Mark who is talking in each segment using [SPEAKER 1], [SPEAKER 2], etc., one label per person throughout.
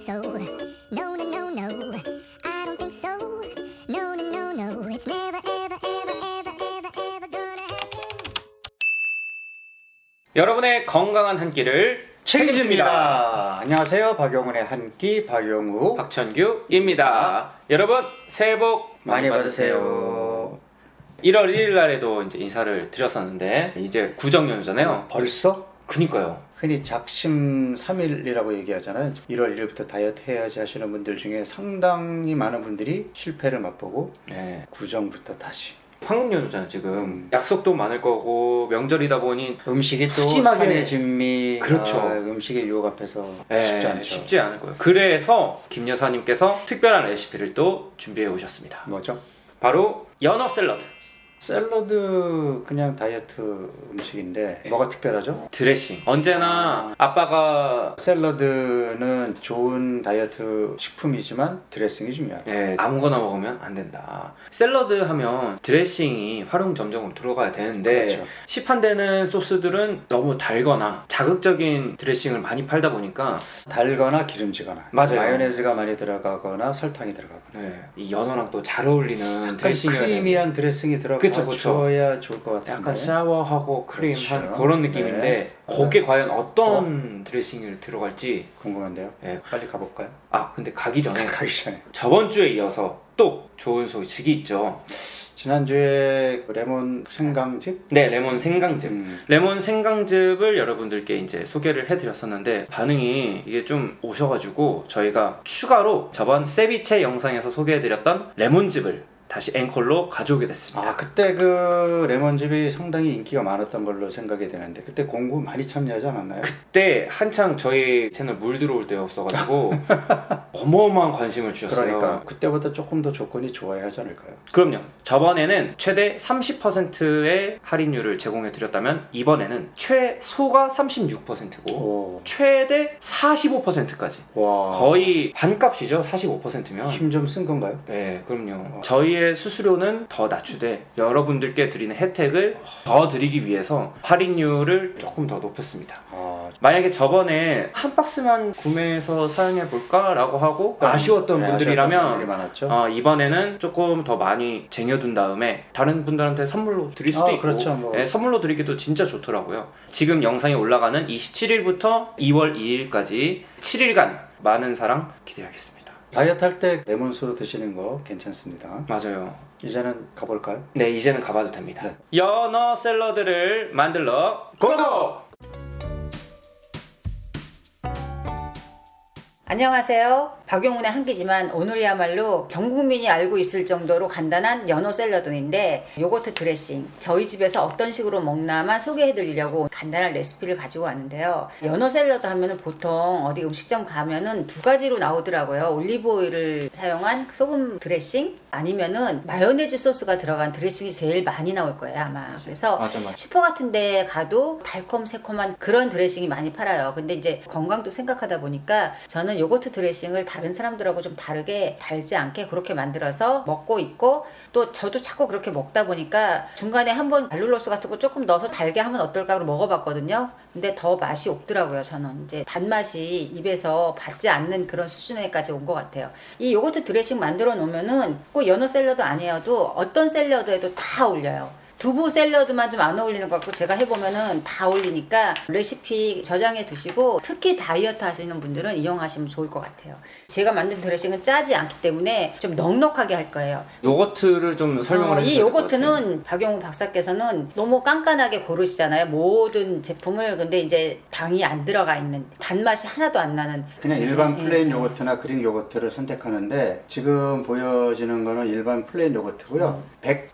[SPEAKER 1] so. No, no, no, no. I don't think so. No, no, no, no. It's never, ever, ever, ever, ever, ever gonna happen.
[SPEAKER 2] 여러분의 건강한 한 끼를
[SPEAKER 3] 책임집니다. 안녕하세요. 박영훈의 한 끼 박영우
[SPEAKER 2] 박천규입니다. 여러분 새해 복
[SPEAKER 3] 많이 받으세요.
[SPEAKER 2] 1월 1일 날에도 이제 인사를 드렸었는데 이제 구정연휴잖아요.
[SPEAKER 3] 벌써?
[SPEAKER 2] 그니까요.
[SPEAKER 3] 흔히 작심 3일이라고 얘기하잖아요. 1월 1일부터 다이어트 해야지 하시는 분들 중에 상당히 많은 분들이 실패를 맛보고
[SPEAKER 2] 네.
[SPEAKER 3] 구정부터 다시
[SPEAKER 2] 황금연휴잖아요 지금. 약속도 많을 거고 명절이다 보니
[SPEAKER 3] 음식이 또
[SPEAKER 2] 푸짐하게-
[SPEAKER 3] 산의 진미
[SPEAKER 2] 그렇죠.
[SPEAKER 3] 음식의 유혹 앞에서
[SPEAKER 2] 네,
[SPEAKER 3] 쉽지 않죠.
[SPEAKER 2] 쉽지 않을 거예요. 그래서 김 여사님께서 특별한 레시피를 또 준비해 오셨습니다.
[SPEAKER 3] 뭐죠?
[SPEAKER 2] 바로 연어 샐러드.
[SPEAKER 3] 샐러드 그냥 다이어트 음식인데 뭐가 특별하죠?
[SPEAKER 2] 드레싱. 언제나 아빠가
[SPEAKER 3] 샐러드는 좋은 다이어트 식품이지만 드레싱이 중요하다.
[SPEAKER 2] 네, 아무거나 먹으면 안 된다. 샐러드 하면 드레싱이 활용점정으로 들어가야 되는데
[SPEAKER 3] 그렇죠.
[SPEAKER 2] 시판되는 소스들은 너무 달거나 자극적인 드레싱을 많이 팔다 보니까
[SPEAKER 3] 달거나 기름지거나
[SPEAKER 2] 맞아요.
[SPEAKER 3] 마요네즈가 많이 들어가거나 설탕이 들어가거나
[SPEAKER 2] 네, 이 연어랑 또 잘 어울리는
[SPEAKER 3] 약간
[SPEAKER 2] 드레싱이어야 되는데
[SPEAKER 3] 크리미한 드레싱이
[SPEAKER 2] 그쵸, 그쵸.
[SPEAKER 3] 들어가줘야 좋을 것 같은데
[SPEAKER 2] 약간 샤워하고 크림한
[SPEAKER 3] 그렇죠.
[SPEAKER 2] 그런 느낌인데
[SPEAKER 3] 네.
[SPEAKER 2] 거기에 과연 어떤 드레싱이 들어갈지.
[SPEAKER 3] 궁금한데요.
[SPEAKER 2] 네.
[SPEAKER 3] 빨리 가볼까요?
[SPEAKER 2] 아 근데 가기 전에
[SPEAKER 3] 가기 전에
[SPEAKER 2] 저번 주에 이어서 또 좋은 소식이 있죠.
[SPEAKER 3] 지난주에 레몬 생강즙
[SPEAKER 2] 네, 레몬 생강즙.
[SPEAKER 3] 음,
[SPEAKER 2] 레몬 생강즙을 여러분들께 이제 소개를 해드렸었는데 반응이 이게 좀 오셔가지고 저희가 추가로 저번 세비체 영상에서 소개해드렸던 레몬즙을 다시 앵콜로 가져오게 됐습니다.
[SPEAKER 3] 아 그때 그 레몬즙이 상당히 인기가 많았던 걸로 생각이 되는데 그때 공구 많이 참여하지 않았나요?
[SPEAKER 2] 그때 한창 저희 채널 물 들어올 때였어가지고 어마어마한 관심을 주셨어요.
[SPEAKER 3] 그러니까 그때보다 조금 더 조건이 좋아야 하지 않을까요?
[SPEAKER 2] 그럼요. 저번에는 최대 30%의 할인율을 제공해드렸다면 이번에는 최소가 36%고
[SPEAKER 3] 오,
[SPEAKER 2] 최대 45%까지
[SPEAKER 3] 와,
[SPEAKER 2] 거의 반값이죠. 45%면.
[SPEAKER 3] 힘 좀 쓴 건가요?
[SPEAKER 2] 네, 그럼요. 저희의 수수료는 더 낮추되 여러분들께 드리는 혜택을 더 드리기 위해서 할인율을 조금 더 높였습니다.
[SPEAKER 3] 아,
[SPEAKER 2] 만약에 저번에 한 박스만 구매해서 사용해 볼까라고 하고 아쉬웠던
[SPEAKER 3] 네,
[SPEAKER 2] 분들이라면
[SPEAKER 3] 아쉬웠던 분들이 많았죠.
[SPEAKER 2] 이번에는 조금 더 많이 쟁여둔 다음에 다른 분들한테 선물로 드릴 수도 있고
[SPEAKER 3] 그렇죠, 뭐.
[SPEAKER 2] 네, 선물로 드리기도 진짜 좋더라고요. 지금 영상이 올라가는 27일부터 2월 2일까지 7일간 많은 사랑 기대하겠습니다.
[SPEAKER 3] 다이어트 할 때 레몬수로 드시는 거 괜찮습니다.
[SPEAKER 2] 맞아요.
[SPEAKER 3] 이제는 가볼까요?
[SPEAKER 2] 네, 이제는 가봐도 됩니다.
[SPEAKER 3] 네.
[SPEAKER 2] 연어 샐러드를 만들러 고고!
[SPEAKER 4] 안녕하세요. 박용훈의 한 끼지만 오늘이야말로 전 국민이 알고 있을 정도로 간단한 연어 샐러드인데 요거트 드레싱 저희 집에서 어떤 식으로 먹나만 소개해드리려고 간단한 레시피를 가지고 왔는데요. 연어 샐러드 하면은 보통 어디 음식점 가면은 두 가지로 나오더라고요. 올리브 오일을 사용한 소금 드레싱 아니면은 마요네즈 소스가 들어간 드레싱이 제일 많이 나올 거예요 아마. 그래서
[SPEAKER 2] 맞아.
[SPEAKER 4] 슈퍼 같은 데 가도 달콤 새콤한 그런 드레싱이 많이 팔아요. 근데 이제 건강도 생각하다 보니까 저는 요거트 드레싱을 다른 사람들하고 좀 다르게 달지 않게 그렇게 만들어서 먹고 있고 또 저도 자꾸 그렇게 먹다 보니까 중간에 한번 알룰로스 같은 거 조금 넣어서 달게 하면 어떨까 하고 먹어봤거든요. 근데 더 맛이 없더라고요. 저는 이제 단맛이 입에서 받지 않는 그런 수준에까지 온 것 같아요. 이 요거트 드레싱 만들어 놓으면은 꼭 연어 샐러드 아니어도 어떤 샐러드에도 다 어울려요. 두부 샐러드만 좀 안 어울리는 것 같고 제가 해보면은 다 어울리니까 레시피 저장해 두시고 특히 다이어트 하시는 분들은 이용하시면 좋을 것 같아요. 제가 만든 드레싱은 짜지 않기 때문에 좀 넉넉하게 할 거예요.
[SPEAKER 2] 요거트를 좀 설명을 해주세요.
[SPEAKER 4] 이 요거트는 박용우 박사께서는 너무 깐깐하게 고르시잖아요. 모든 제품을. 근데 이제 당이 안 들어가 있는 단맛이 하나도 안 나는
[SPEAKER 3] 그냥 일반 플레인 요거트나 그릭 요거트를 선택하는데 지금 보여지는 거는 일반 플레인 요거트고요.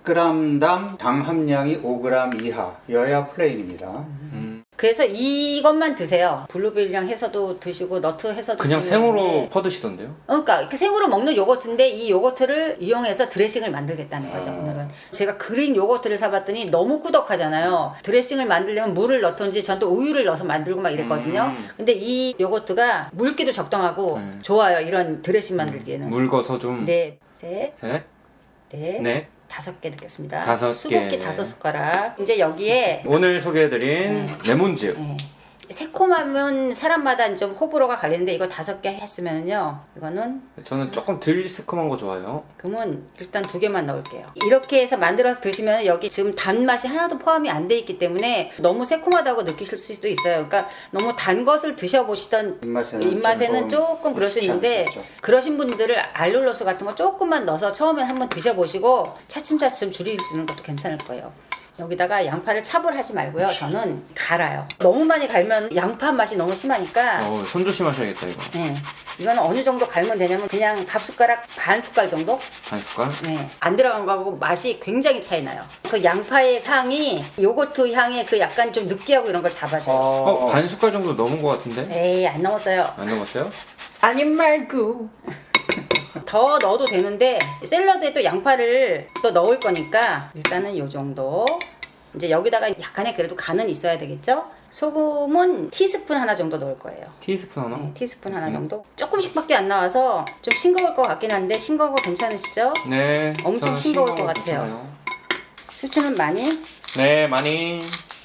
[SPEAKER 3] 100g당 당 함량이 5g 이하여야 플레인입니다.
[SPEAKER 4] 그래서 이것만 드세요. 블루베리랑 해서도 드시고 너트 해서도
[SPEAKER 2] 그냥
[SPEAKER 4] 드시는
[SPEAKER 2] 생으로
[SPEAKER 4] 건데.
[SPEAKER 2] 퍼드시던데요?
[SPEAKER 4] 그러니까 이렇게 생으로 먹는 요거트인데 이 요거트를 이용해서 드레싱을 만들겠다는 거죠. 오늘은 제가 그린 요거트를 사봤더니 너무 꾸덕하잖아요. 드레싱을 만들려면 물을 넣던지 전 또 우유를 넣어서 만들고 막 이랬거든요. 근데 이 요거트가 물기도 적당하고 좋아요. 이런 드레싱 만들기에는.
[SPEAKER 2] mul거서 좀.
[SPEAKER 4] 네, 셋,
[SPEAKER 2] 셋,
[SPEAKER 4] 넷,
[SPEAKER 2] 넷,
[SPEAKER 4] 5개 넣겠습니다.
[SPEAKER 2] 5개.
[SPEAKER 4] 수국기 5숟가락. 이제 여기에
[SPEAKER 2] 오늘 소개해드린 레몬즙.
[SPEAKER 4] 네, 새콤하면 사람마다 좀 호불호가 갈리는데 이거 5개 했으면요. 이거는
[SPEAKER 2] 저는 조금 덜 새콤한 거 좋아해요.
[SPEAKER 4] 그러면 일단 2개만 넣을게요. 이렇게 해서 만들어서 드시면 여기 지금 단맛이 하나도 포함이 안 돼 있기 때문에 너무 새콤하다고 느끼실 수도 있어요. 그러니까 너무 단 것을 드셔보시던 입맛에는 조금 그럴 수 있는데 그러신 분들을 알룰로스 같은 거 조금만 넣어서 처음엔 한번 드셔보시고 차츰차츰 줄이시는 것도 괜찮을 거예요. 여기다가 양파를 차분하지 말고요. 저는 갈아요. 너무 많이 갈면 양파 맛이 너무 심하니까
[SPEAKER 2] 손 조심하셔야겠다 이거.
[SPEAKER 4] 네. 이거는 어느 정도 갈면 되냐면 그냥 밥숟가락 반 숟갈 정도?
[SPEAKER 2] 한 숟갈?
[SPEAKER 4] 네. 안 들어간 거하고 맛이 굉장히 차이 나요. 그 양파의 향이 요거트 향의 그 약간 좀 느끼하고 이런 걸 잡아줘요.
[SPEAKER 2] 반 숟갈 정도 넘은 것 같은데?
[SPEAKER 4] 에이 안 넘었어요.
[SPEAKER 2] 안 넘었어요?
[SPEAKER 4] 아님 말고. 더 넣어도 되는데 샐러드에 또 양파를 또 넣을 거니까 일단은 요 정도. 이제 여기다가 약간의 그래도 간은 있어야 되겠죠? 소금은 티스푼 하나 정도 넣을 거예요.
[SPEAKER 2] 티스푼 하나?
[SPEAKER 4] 네, 티스푼 하나 정도. 조금씩밖에 안 나와서 좀 싱거울 것 같긴 한데 싱거운 거 괜찮으시죠?
[SPEAKER 2] 네.
[SPEAKER 4] 엄청
[SPEAKER 2] 저는
[SPEAKER 4] 싱거울 것
[SPEAKER 2] 싱거운 거
[SPEAKER 4] 같아요.
[SPEAKER 2] 괜찮아요.
[SPEAKER 4] 수추는 많이?
[SPEAKER 2] 네, 많이.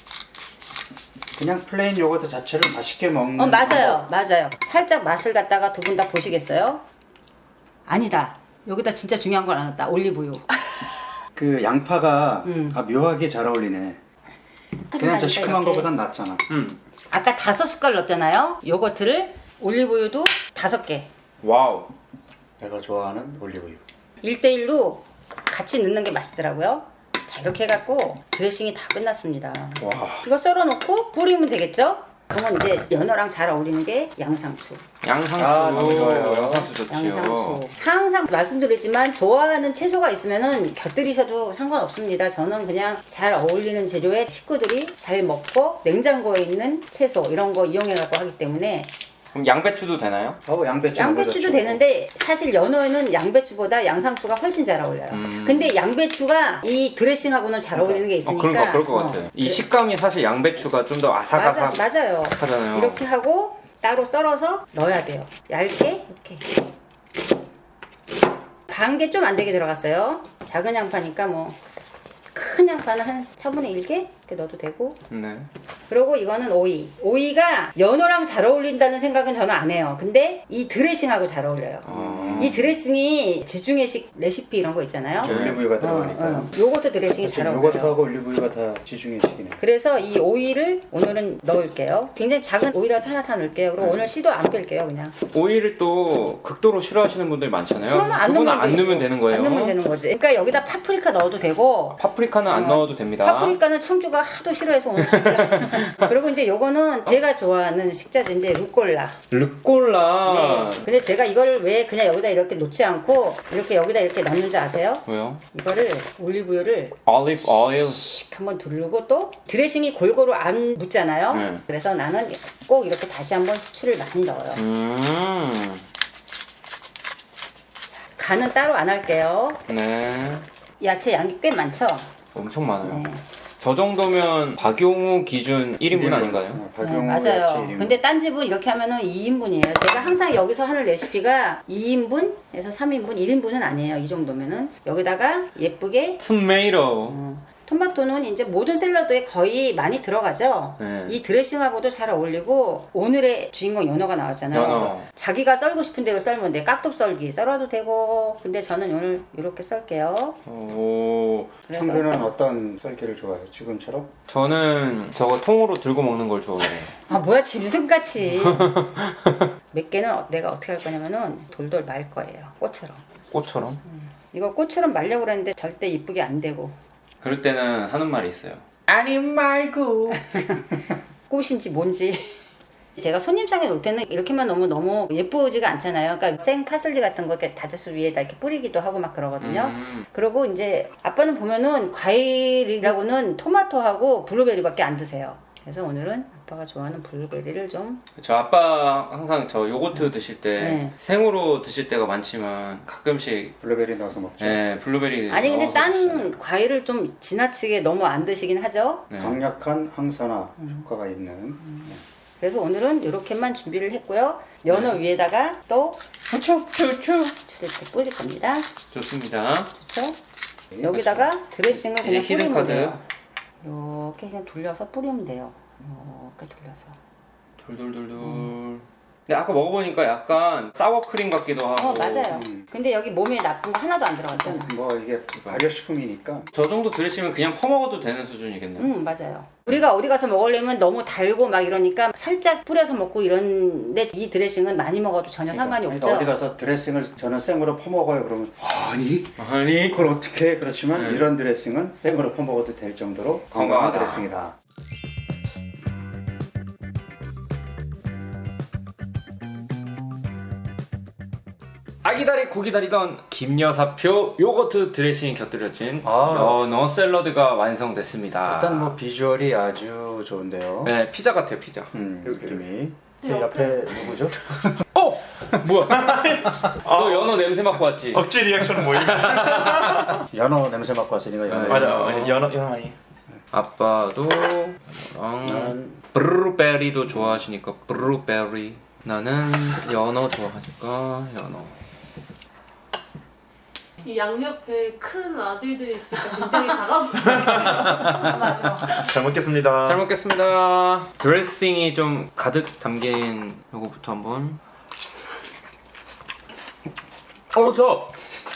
[SPEAKER 3] 그냥 플레인 요거트 자체를 맛있게 먹는
[SPEAKER 4] 맞아요. 맞아요. 살짝 맛을 갖다가 두 분 다 보시겠어요? 아니다. 여기다 진짜 중요한 걸 안 넣었다. 올리브유.
[SPEAKER 3] 그 양파가 묘하게 잘 어울리네. 그냥 저 시큼한
[SPEAKER 4] 이렇게.
[SPEAKER 3] 거보단 낫잖아.
[SPEAKER 4] 아까 5숟갈 넣었잖아요. 요거트를 올리브유도 5개.
[SPEAKER 2] 와우.
[SPEAKER 3] 내가 좋아하는 올리브유.
[SPEAKER 4] 1대1로 같이 넣는 게 맛있더라고요. 자, 이렇게 해갖고 드레싱이 다 끝났습니다.
[SPEAKER 2] 와.
[SPEAKER 4] 이거 썰어놓고 뿌리면 되겠죠? 그러면 이제 연어랑 잘 어울리는 게 양상추.
[SPEAKER 2] 양상추.
[SPEAKER 3] 너무 좋아요.
[SPEAKER 2] 양상추 좋지요.
[SPEAKER 4] 양상추. 항상 말씀드리지만 좋아하는 채소가 있으면은 곁들이셔도 상관없습니다. 저는 그냥 잘 어울리는 재료에 식구들이 잘 먹고 냉장고에 있는 채소 이런 거 이용해 갖고 하기 때문에
[SPEAKER 2] 그럼 양배추도 되나요?
[SPEAKER 4] 양배추도 되는데 사실 연어에는 양배추보다 양상추가 훨씬 잘 어울려요. 근데 양배추가 이 드레싱하고는 잘 어울리는 게 있으니까
[SPEAKER 2] 그러니까 그럴 것 같아요. 이 식감이 사실 양배추가 좀 더 아삭아삭
[SPEAKER 4] 맞아요.
[SPEAKER 2] 하잖아요.
[SPEAKER 4] 이렇게 하고 따로 썰어서 넣어야 돼요. 얇게 이렇게. 반 개 좀 안 되게 들어갔어요. 작은 양파니까 뭐 큰 양파는 한 4분의 1개 이렇게 넣어도 되고.
[SPEAKER 2] 네.
[SPEAKER 4] 그리고 이거는 오이. 오이가 연어랑 잘 어울린다는 생각은 저는 안 해요. 근데 이 드레싱하고 잘 어울려요. 이 드레싱이 지중해식 레시피 이런 거 있잖아요.
[SPEAKER 3] 올리브유가 들어가니까.
[SPEAKER 4] 요거트 드레싱이 잘 어울려요.
[SPEAKER 3] 요거트하고 올리브유가 다 지중해식이네.
[SPEAKER 4] 그래서 이 오이를 오늘은 넣을게요. 굉장히 작은 오이라서 하나 다 넣을게요. 그리고 오늘 씨도 안 뺄게요, 그냥.
[SPEAKER 2] 오이를 또 극도로 싫어하시는 분들 많잖아요.
[SPEAKER 4] 그러면 안
[SPEAKER 2] 그거는
[SPEAKER 4] 넣으면
[SPEAKER 2] 안 넣으면 되는 거예요.
[SPEAKER 4] 안 넣으면 되는 거지. 그러니까 여기다 파프리카 넣어도 되고.
[SPEAKER 2] 파프리카는 안 넣어도 됩니다.
[SPEAKER 4] 파프리카는 청주가 하도 싫어해서 오늘 준비한. 그리고 이제 요거는 제가 좋아하는 식자재인데 루꼴라.
[SPEAKER 2] 르꼴라.
[SPEAKER 4] 네. 근데 제가 이걸 왜 그냥 여기다 이렇게 놓지 않고 이렇게 여기다 이렇게 넣는 줄 아세요?
[SPEAKER 2] 왜요?
[SPEAKER 4] 이거를 올리브유를
[SPEAKER 2] 올리브 오일.
[SPEAKER 4] 씩 한번 두르고 또 드레싱이 골고루 안 묻잖아요.
[SPEAKER 2] 네.
[SPEAKER 4] 그래서 나는 꼭 이렇게 다시 한번 후추를 많이 넣어요. 간은 따로 안 할게요.
[SPEAKER 2] 네.
[SPEAKER 4] 야채 양이 꽤 많죠?
[SPEAKER 2] 엄청 많아요.
[SPEAKER 4] 네.
[SPEAKER 2] 저 정도면 박용우 기준 1인분 아닌가요?
[SPEAKER 4] 네, 맞아요. 근데 딴 집은 이렇게 하면은 2인분이에요. 제가 항상 여기서 하는 레시피가 2인분에서 3인분, 1인분은 아니에요. 이 정도면은 여기다가 예쁘게
[SPEAKER 2] 토마토.
[SPEAKER 4] 토마토는 이제 모든 샐러드에 거의 많이 들어가죠.
[SPEAKER 2] 네.
[SPEAKER 4] 이 드레싱하고도 잘 어울리고 오늘의 주인공 연어가 나왔잖아요.
[SPEAKER 2] 연어.
[SPEAKER 4] 자기가 썰고 싶은 대로 썰면 돼. 깍둑 썰기 썰어도 되고. 근데 저는 오늘 이렇게 썰게요.
[SPEAKER 2] 오.
[SPEAKER 4] 그래서
[SPEAKER 3] 청주는 어떤 썰기를 좋아해요? 지금처럼?
[SPEAKER 2] 저는 저거 통으로 들고 먹는 걸 좋아해요.
[SPEAKER 4] 아 뭐야 짐승같이. 몇 개는 내가 어떻게 할 거냐면은 돌돌 말 거예요. 꽃처럼.
[SPEAKER 2] 꽃처럼.
[SPEAKER 4] 이거 꽃처럼 말려고 그랬는데 절대 이쁘게 안 되고.
[SPEAKER 2] 그럴 때는 하는 말이 있어요. 아니 말고.
[SPEAKER 4] 꽃인지 뭔지. 제가 손님상에 놓을 때는 이렇게만 넣으면 너무 예쁘지가 않잖아요. 그러니까 생 파슬리 같은 거 이렇게 다져서 위에다 이렇게 뿌리기도 하고 막 그러거든요. 그리고 이제 아빠는 보면은 과일이라고는 토마토하고 블루베리밖에 안 드세요. 그래서 오늘은 아빠가 좋아하는 블루베리를 좀.
[SPEAKER 2] 저 아빠 항상 저 요거트 드실 때
[SPEAKER 4] 네.
[SPEAKER 2] 생으로 드실 때가 많지만 가끔씩
[SPEAKER 3] 블루베리 넣어서 먹죠.
[SPEAKER 2] 네, 블루베리
[SPEAKER 4] 아니 근데
[SPEAKER 2] 넣어서
[SPEAKER 4] 딴
[SPEAKER 2] 드시잖아요.
[SPEAKER 4] 과일을 좀 지나치게 너무 안 드시긴 하죠.
[SPEAKER 2] 네.
[SPEAKER 3] 강력한 항산화 효과가 있는.
[SPEAKER 4] 그래서 오늘은 이렇게만 준비를 했고요. 연어 위에다가 또
[SPEAKER 2] 후추.
[SPEAKER 4] 후추를 이렇게 뿌릴 겁니다.
[SPEAKER 2] 좋습니다.
[SPEAKER 4] 그렇죠? 여기다가 드레싱을
[SPEAKER 2] 이제
[SPEAKER 4] 그냥
[SPEAKER 2] 히든
[SPEAKER 4] 뿌리면
[SPEAKER 2] 카드.
[SPEAKER 4] 돼요. 이렇게 그냥 돌려서 뿌리면 돼요. 이렇게 돌려서.
[SPEAKER 2] 돌돌돌돌. 근데 아까 먹어보니까 약간 사워크림 같기도 하고.
[SPEAKER 4] 맞아요. 근데 여기 몸에 나쁜 거 하나도 안 들어갔잖아.
[SPEAKER 3] 뭐 이게 발효식품이니까
[SPEAKER 2] 저 정도 드레싱은 그냥 퍼먹어도 되는 수준이겠네요.
[SPEAKER 4] 맞아요. 우리가 어디 가서 먹으려면 너무 달고 막 이러니까 살짝 뿌려서 먹고 이런데 이 드레싱은 많이 먹어도 전혀 상관이
[SPEAKER 3] 그러니까
[SPEAKER 4] 없죠.
[SPEAKER 3] 어디 가서 드레싱을 저는 생으로 퍼먹어요. 그러면 아니 그걸 어떻게 해? 그렇지만
[SPEAKER 2] 네.
[SPEAKER 3] 이런 드레싱은 생으로 퍼먹어도 될 정도로 건강한
[SPEAKER 2] 건강하다.
[SPEAKER 3] 드레싱이다.
[SPEAKER 2] 아기다리 고기다리던 김여사표 요거트 드레싱이 곁들여진
[SPEAKER 3] 아.
[SPEAKER 2] 연어 샐러드가 완성됐습니다.
[SPEAKER 3] 일단 뭐 비주얼이 아주 좋은데요.
[SPEAKER 2] 네, 피자 같아요, 피자. 이렇게.
[SPEAKER 3] 느낌이. 옆에 누구죠?
[SPEAKER 2] 어! 뭐야? 너 연어 냄새 맡고 왔지?
[SPEAKER 5] 억지 리액션 모임.
[SPEAKER 3] 연어 냄새 맡고 왔으니까 연어.
[SPEAKER 2] 네.
[SPEAKER 5] 맞아. 아니, 연어 아니.
[SPEAKER 2] 아빠도
[SPEAKER 3] 나는
[SPEAKER 2] 블루베리도 좋아하시니까 블루베리. 나는 연어 좋아하니까 연어.
[SPEAKER 6] 이 양옆에 큰 아들들이 있으니까 굉장히 작아 보여.
[SPEAKER 5] 잘 먹겠습니다.
[SPEAKER 2] 잘 먹겠습니다. 드레싱이 좀 가득 담긴 요거부터 한번. 저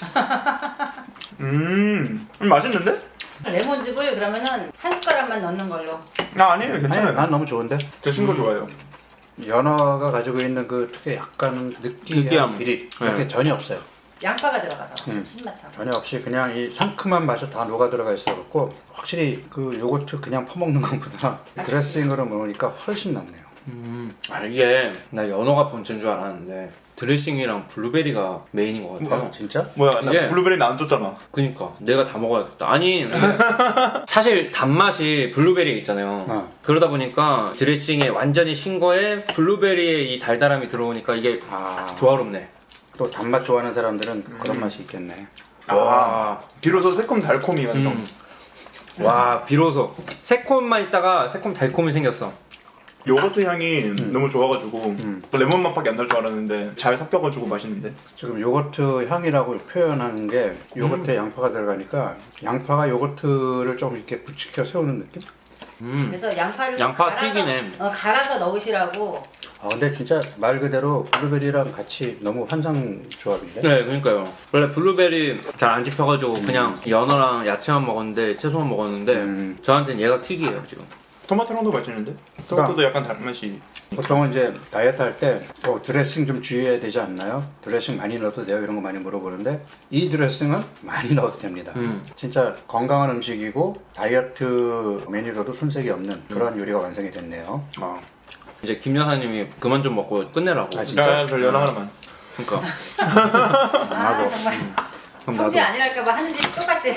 [SPEAKER 5] 맛있는데?
[SPEAKER 4] 레몬즙을 그러면은 한 숟가락만 넣는 걸로.
[SPEAKER 5] 아니에요,
[SPEAKER 3] 아니,
[SPEAKER 5] 괜찮아요.
[SPEAKER 3] 난 너무 좋은데.
[SPEAKER 5] 드신 거 좋아요.
[SPEAKER 3] 연어가 가지고 있는 그 특유의 약간
[SPEAKER 2] 느끼함.
[SPEAKER 3] 느끼한 비릿 이렇게
[SPEAKER 2] 네.
[SPEAKER 3] 전혀 없어요.
[SPEAKER 4] 양파가 들어가서 신맛하고.
[SPEAKER 3] 전혀 없이 그냥 이 상큼한 맛이 다 녹아 들어가 있어갖고 확실히 그 요거트 그냥 퍼먹는 것보다 드레싱으로 먹으니까 훨씬 낫네요.
[SPEAKER 2] 이게 나 연어가 본체인 줄 알았는데 드레싱이랑 블루베리가 메인인 것 같아요.
[SPEAKER 3] 진짜?
[SPEAKER 5] 뭐야, 나
[SPEAKER 2] 이게-
[SPEAKER 5] 블루베리는 안 줬잖아.
[SPEAKER 2] 그니까 내가 다 먹어야겠다. 아니 사실 단맛이 블루베리 있잖아요.
[SPEAKER 3] 어.
[SPEAKER 2] 그러다 보니까 드레싱에 완전히 신 거에 블루베리의 이 달달함이 들어오니까 이게
[SPEAKER 3] 아,
[SPEAKER 2] 조화롭네.
[SPEAKER 3] 또 단맛 좋아하는 사람들은 그런 맛이 있겠네.
[SPEAKER 5] 와, 비로소 새콤 달콤이 완성.
[SPEAKER 2] 와 비로소 새콤만 있다가 새콤 달콤이 생겼어.
[SPEAKER 5] 요거트 향이 너무 좋아가지고 레몬 맛밖에 안 날 줄 알았는데 잘 섞여가지고 맛있는데.
[SPEAKER 3] 지금 요거트 향이라고 표현하는 게 요거트에 양파가 들어가니까 양파가 요거트를 좀 이렇게 부치켜 세우는 느낌?
[SPEAKER 4] 그래서 양파를
[SPEAKER 2] 양파
[SPEAKER 4] 갈아서,
[SPEAKER 2] 튀기네.
[SPEAKER 4] 갈아서 넣으시라고.
[SPEAKER 3] 근데 진짜 말 그대로 블루베리랑 같이 너무 환상 조합인데?
[SPEAKER 2] 네, 그러니까요. 원래 블루베리 잘 안 집혀가지고 그냥 연어랑 야채만 먹었는데 채소만 먹었는데 저한테는 얘가 튀기예요 지금.
[SPEAKER 5] 토마토랑도 맛있는데? 토마토도 약간 단맛이.
[SPEAKER 3] 보통은 이제 다이어트 할 때 드레싱 좀 주의해야 되지 않나요? 드레싱 많이 넣어도 돼요? 이런 거 많이 물어보는데 이 드레싱은 많이 넣어도 됩니다. 진짜 건강한 음식이고 다이어트 메뉴로도 손색이 없는 그런 요리가 완성이 됐네요.
[SPEAKER 2] 이제 김 여사님이 그만 좀 먹고 끝내라고.
[SPEAKER 3] 아, 진짜?
[SPEAKER 5] 저 연어 하나만.
[SPEAKER 2] 그러니까.
[SPEAKER 3] 나도.
[SPEAKER 4] 정말
[SPEAKER 2] 그럼
[SPEAKER 4] 형제
[SPEAKER 2] 나도.
[SPEAKER 4] 아니랄까봐 하는 짓이 똑같지.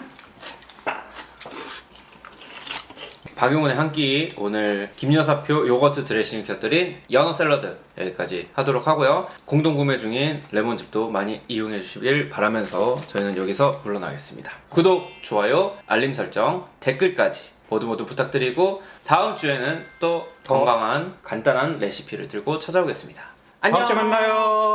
[SPEAKER 2] 박용훈의 한 끼 오늘 김여사표 요거트 드레싱을 곁들인 연어 샐러드 여기까지 하도록 하고요. 공동 구매 중인 레몬즙도 많이 이용해 주시길 바라면서 저희는 여기서 물러나겠습니다. 구독, 좋아요, 알림 설정, 댓글까지 모두 부탁드리고 다음 주에는 또 건강한 간단한 레시피를 들고 찾아오겠습니다. 안녕.
[SPEAKER 5] 다음 주에 만나요.